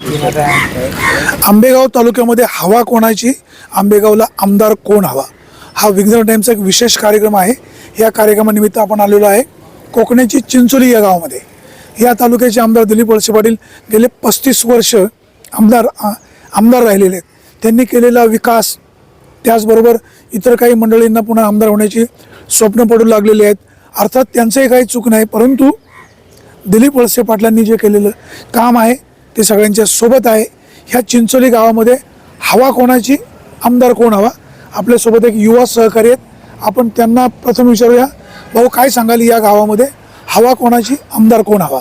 आंबेगाव तालुक्यामध्ये हवा कोणाची, आंबेगावला आमदार कोण हवा, हा विघ्नर टाइमचा एक विशेष कार्यक्रम आहे. या कार्यक्रमानिमित्त आपण आलेलो आहे कोकणची चिंचोली या गावामध्ये. या तालुक्याचे आमदार दिलीप वळसे पाटील गेले 35 वर्ष आमदार राहिलेले आहेत. त्यांनी केलेला विकास, त्याचबरोबर इतर काही मंडळींना पुन्हा आमदार होण्याची स्वप्न पडू लागलेली आहेत. अर्थात त्यांचंही काही चूक नाही, परंतु दिलीप वळसे पाटलांनी जे केलेलं काम आहे ते सगळ्यांच्या सोबत आहे. ह्या चिंचोली गावामध्ये हवा कोणाची, आमदार कोण हवा, आपल्यासोबत एक युवा सहकारी आहेत. आपण त्यांना प्रथम विचारूया, भाऊ काय सांगाल या गावामध्ये हवा कोणाची, आमदार कोण हवा?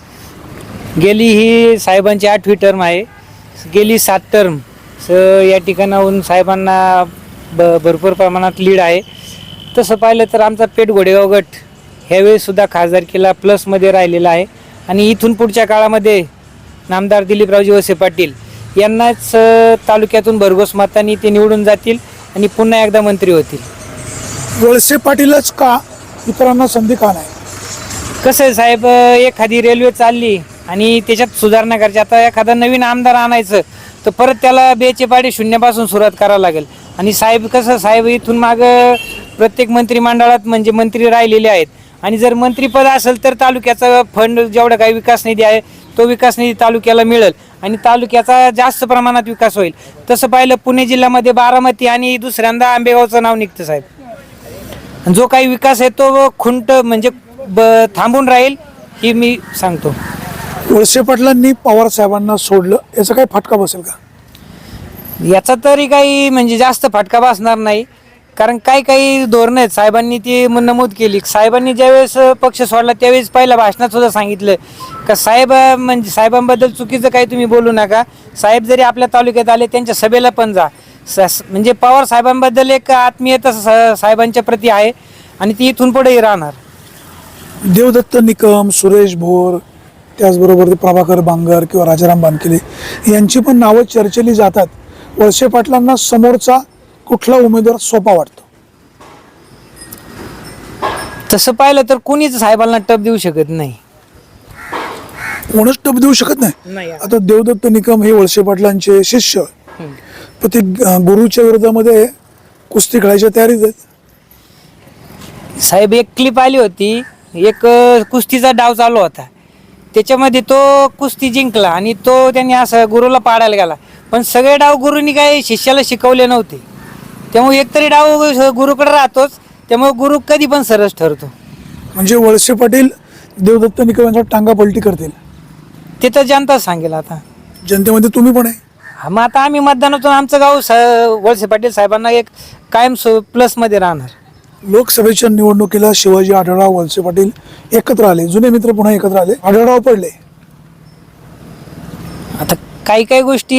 गेली ही साहेबांची 8वी टर्म आहे. गेली 7 टर्म या ठिकाणाहून साहेबांना भरपूर प्रमाणात लीड आहे. तसं पाहिलं तर आमचा पेठ घोडेगाव गट ह्यावेळीसुद्धा खासदारकीला प्लसमध्ये राहिलेला आहे. आणि इथून पुढच्या काळामध्ये नामदार दिलीपरावजी वळसे पाटील यांनाच तालुक्यातून भरघोस मतांनी ते निवडून जातील आणि पुन्हा एकदा मंत्री होतील. वळसे पाटीलच का, इतरांना संधी का नाही? कसं आहे साहेब, एखादी रेल्वे चालली आणि त्याच्यात सुधारणा करायची, आता एखादा नवीन आमदार आणायचं तर परत त्याला बेचे पाडे शून्यापासून सुरुवात करावं लागेल. आणि साहेब कसं, साहेब इथून मागं प्रत्येक मंत्रिमंडळात म्हणजे मंत्री राहिलेले आहेत. आणि जर मंत्रीपद असेल तर तालुक्याचा फंड जेवढा काही विकास निधी आहे तो विकास निधी तालुक्याला मिळेल आणि तालुक्याचा जास्त प्रमाणात विकास होईल. तसं पाहिलं पुणे जिल्ह्यामध्ये बारामती आणि दुसऱ्यांदा आंबेगावचं नाव निघतं साहेब. जो काही विकास आहे तो खुंट म्हणजे थांबून राहील ही मी सांगतो. वळसे पाटलांनी पवार साहेबांना सोडलं, याचा काही फटका बसेल का? याचा तरी काही म्हणजे जास्त फटका बसणार नाही, कारण काही धोरणं आहेत साहेबांनी ती नमूद केली. साहेबांनी ज्यावेळेस पक्ष सोडला त्यावेळेस पहिल्या भाषणात सुद्धा सांगितलं का साहेब म्हणजे साहेबांबद्दल चुकीचं काही तुम्ही बोलू नका. साहेब जरी आपल्या तालुक्यात आले त्यांच्या सभेला पण जा. म्हणजे पवार साहेबांबद्दल एक आत्मीयता साहेबांच्या प्रती आहे आणि ती इथून पुढेही राहणार. देवदत्त निकम, सुरेश भोर, त्याचबरोबर प्रभाकर बांगर किंवा राजाराम बानकेले यांची पण नावं चर्चेली जातात. वळसे पाटलांना समोरचा कुठला उमेदवार सोपा वाटतो? तसं पाहिलं तर कोणीच साहेबांना टप देऊ शकत नाही. कोणच टप देऊ शकत नाही. आता देवदत्त निकम हे वळसे पाटलांचे शिष्य, पण ते गुरुच्या विरोधामध्ये कुस्ती खेळायच्या तयारीत आहेत. साहेब एक क्लिप आली होती, एक कुस्तीचा डाव चालू होता, त्याच्यामध्ये तो कुस्ती जिंकला आणि तो त्यांनी असं गुरुला पाडायला गेला. पण सगळे डाव गुरुनी काही शिष्याला शिकवले नव्हते, त्यामुळे एकतरी डाव गुरुकडे राहतोच, त्यामुळे गुरु कधी पण सरस ठरतो. म्हणजे वळसे पाटील देवदत्त निकम यांच्या टांगा पलटी करतील ते तर जनता सांगेल. आता जनतेमध्ये तुम्ही पण आहे. मग आता आम्ही मतदानातून आमचं गाव वळसे पाटील साहेबांना एक कायम प्लसमध्ये राहणार. लोकसभेच्या निवडणुकीला शिवाजी आढळराव वळसे पाटील एकत्र आले, जुने मित्र पुन्हा एकत्र आले, आढळराव पडले. आता काही गोष्टी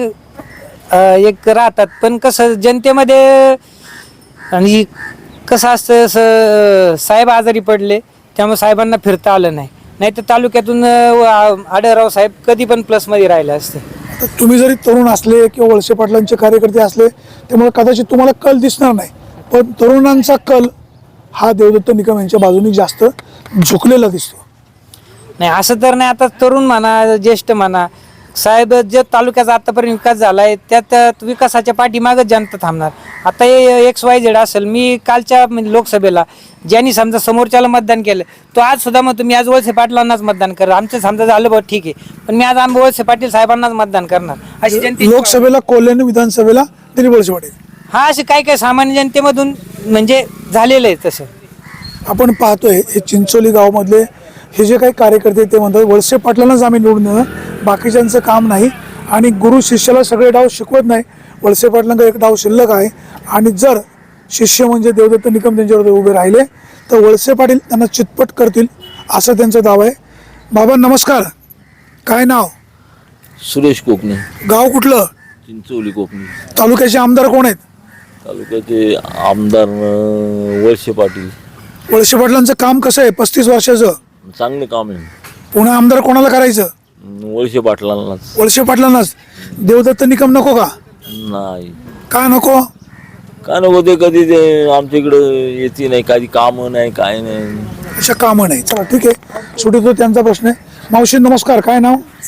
एक राहतात, पण कसं जनतेमध्ये आणि कसं असतं, साहेब आजारी पडले त्यामुळे साहेबांना फिरता आलं नाही तर तालुक्यातून आढळराव साहेब कधी पण प्लसमध्ये राहिले असते. आता तुम्ही जरी तरुण असले किंवा वळसे पाटलांचे कार्यकर्ते असले त्यामुळे कदाचित तुम्हाला कल दिसणार नाही, पण तरुणांचा कल हा देवदत्त निकम यांच्या बाजूने जास्त झुकलेला दिसतो. नाही असं तर नाही. आता तरुण म्हणा, ज्येष्ठ म्हणा, साहेब जे तालुक्याचा आतापर्यंत विकास झाला आहे त्यात विकासाच्या पाठीमागच जनता थांबणार. आता XYZ असेल, मी कालच्या लोकसभेला ज्यांनी समजा समोरच्याला मतदान केलं तो आज सुद्धा मग तुम्ही आज वळसे पाटलांनाच मतदान करा, आमचं समजा झालं बघ ठीक आहे, पण मी आज वळसे पाटील साहेबांनाच मतदान करणार अशी जनते. लोकसभेला कोल्हान, विधानसभेला दिलीप वळसे पाटील, हा असे काही सामान्य जनतेमधून म्हणजे झालेलं आहे. तसं आपण पाहतोय हे चिंचोली गावामधले हे जे काही कार्यकर्ते ते म्हणतात वळसे पाटलांनाच आम्ही निवडून देणार, बाकीच्यांचं काम नाही. आणि गुरु शिष्याला सगळे डाव शिकवत नाही, वळसे पाटलांना एक डाव शिल्लक आहे. आणि जर शिष्य म्हणजे देवदत्त निकम त्यांच्यावर उभे राहिले तर वळसे पाटील त्यांना चितपट करतील असं त्यांचा दावा आहे. बाबा नमस्कार, काय नाव? सुरेश कोकणे. गाव कुठलं? चिंचोली कोकणे. तालुक्याचे आमदार कोण आहेत? तालुक्याचे आमदार वळसे पाटील. वळसे पाटलांचं काम कसं आहे 35 वर्षाचं? चांगले काम आहे. पुन्हा आमदार कोणाला करायचं? वळसे पाटलांनाच. वळसे पाटलांनाच. देवदत्त निकम नको का? नाही. का नको? काय नको, ते कधी ते आमच्या इकडं येते नाही, कधी कामं नाही, काय नाही, अशा कामं नाही. चला ठीक आहे, शेवटी तो त्यांचा प्रश्न आहे. मावशी नमस्कार, काय नाव? नमस्कार.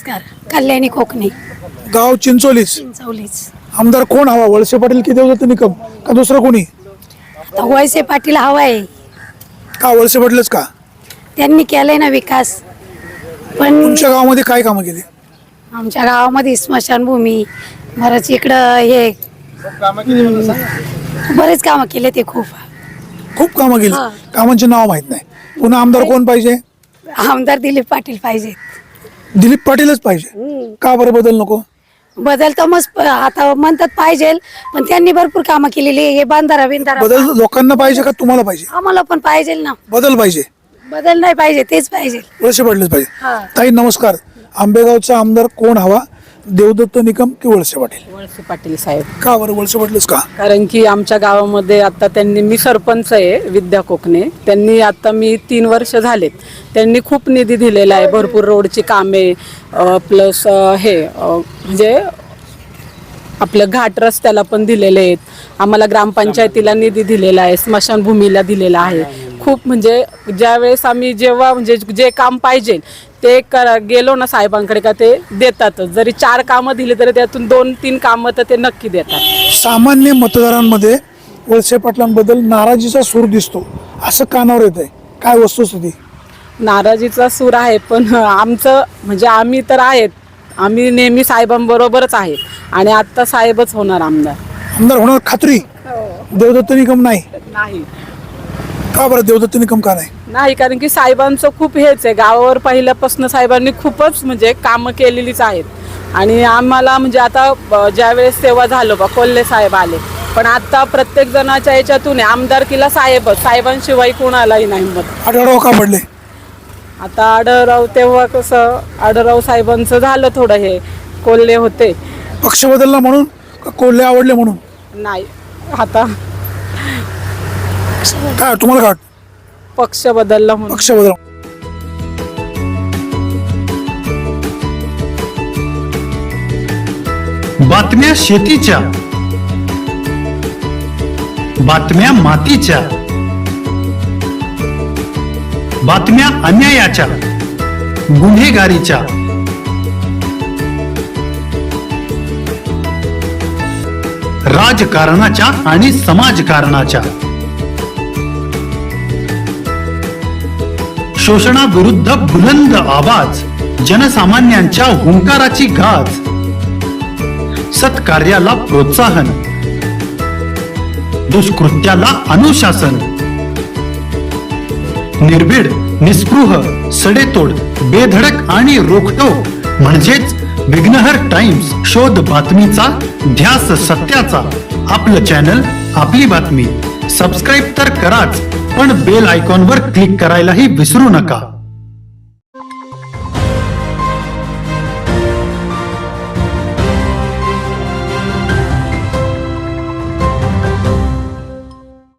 कल्याणी कोकणे गाव चिंचोलीच. चिंचवलीच. आमदार कोण हवा, वळसे पाटील की देवदत्त निकम का दुसरं कोणी? आता वळसे पाटील हवा आहे, का वळसे पाटीलच का? त्यांनी केलंय ना विकास. पण तुमच्या गावामध्ये काय कामं केली? आमच्या गावामध्ये स्मशानभूमी, बरंच इकडं हे बरेच कामं केले ते खूप. खूप कामं केली. हा. कामांचे नाव माहित नाही. पुन्हा आमदार कोण पाहिजे? आमदार दिलीप पाटील पाहिजे. दिलीप पाटीलच पाहिजे. का बरं बदल नको? बदल तर मस्त आता म्हणतात पाहिजे, पण त्यांनी भरपूर कामं केलेली आहे. हे बांधारा बिंधारा बदल लोकांना पाहिजे का तुम्हाला पाहिजे? आम्हाला पण पाहिजे ना. बदल पाहिजे. बदल नाही पाहिजे, तेच पाहिजे. वळसे पाटीलच पाहिजे. हा. ताई नमस्कार. आंबेगावचा आमदार कोण हवा, देवदत्त निकम की वळसे पाटील? वळसे पाटील साहेब. का बरं वळसे पाटीलच का? कारण की आमच्या गावामध्ये आता त्यांनी, मी सरपंच आहे विद्या कोकणे, त्यांनी आता मी 3 वर्ष झालेत, त्यांनी खूप निधी दिलेला आहे, भरपूर रोडची कामे प्लस म्हणजे आपलं घाट रस्त्याला पण दिलेले आहेत. आम्हाला ग्रामपंचायतीला निधी दिलेला आहे, स्मशानभूमीला दिलेला आहे. खूप म्हणजे ज्यावेळेस आम्ही जेव्हा म्हणजे जे काम पाहिजे ते गेलो ना साहेबांकडे का ते देतातच. जरी 4 कामं दिली तरी त्यातून 2-3 कामं तर ते नक्की देतात. सामान्य मतदारांमध्ये वळसे पाटलांबद्दल नाराजीचा सूर दिसतो, असं कानावर येत आहे. काय वस्तुस्थिती? नाराजीचा सूर आहे, पण आमचं म्हणजे आम्ही तर आहेत, आम्ही नेहमी साहेबांबरोबरच आहेत आणि आत्ता साहेबच होणार आमदार. आमदार होणार खात्री? देवदत्त निकम नाही? नाही का बरं देवदत्त निकम का नाही? नाही, कारण की साहेबांचं खूप हेच आहे, गावावर पहिल्यापासून साहेबांनी खूपच म्हणजे कामं केलेलीच आहेत. आणि आम्हाला म्हणजे आता ज्यावेळेस सेवा झालो बा कोल्हे साहेब आले, पण आता प्रत्येक जणाच्या याच्यातून आमदारकीला साहेबच, साहेबांशिवाय कोणालाही नाही मत. आढळराव का पडले? आता आढळराव तेव्हा कसं आढळराव साहेबांचं झालं थोडं, हे कोल्हे होते. पक्ष बदलला म्हणून का कोल्हे आवडले म्हणून? नाही, आता काय तुम्हाला काय वाटतं? पक्ष बदलला म्हणून. पक्ष बदल. बातम्या शेतीच्या, बातम्या मातीच्या, बातम्या अन्यायाच्या, गुन्हेगारीच्या, राजकारणाच्या आणि समाजकारणाच्या, शोषणाविरुद्ध बुलंद आवाज, जनसामान्यांच्या हुंकाराची गाज, सत्कार्याला प्रोत्साहन, दुष्कृत्याला अनुशासन, निर्भीड, निस्पृह, सडेतोड, बेधडक आणि रोखठोक म्हणजेच विघ्नहर टाइम्स. शोध बातमीचा, ध्यास सत्याचा. आपलं चॅनल, आपली बातमी. सबस्क्राईब तर कराच, पण बेल आयकॉनवर क्लिक करायलाही विसरू नका.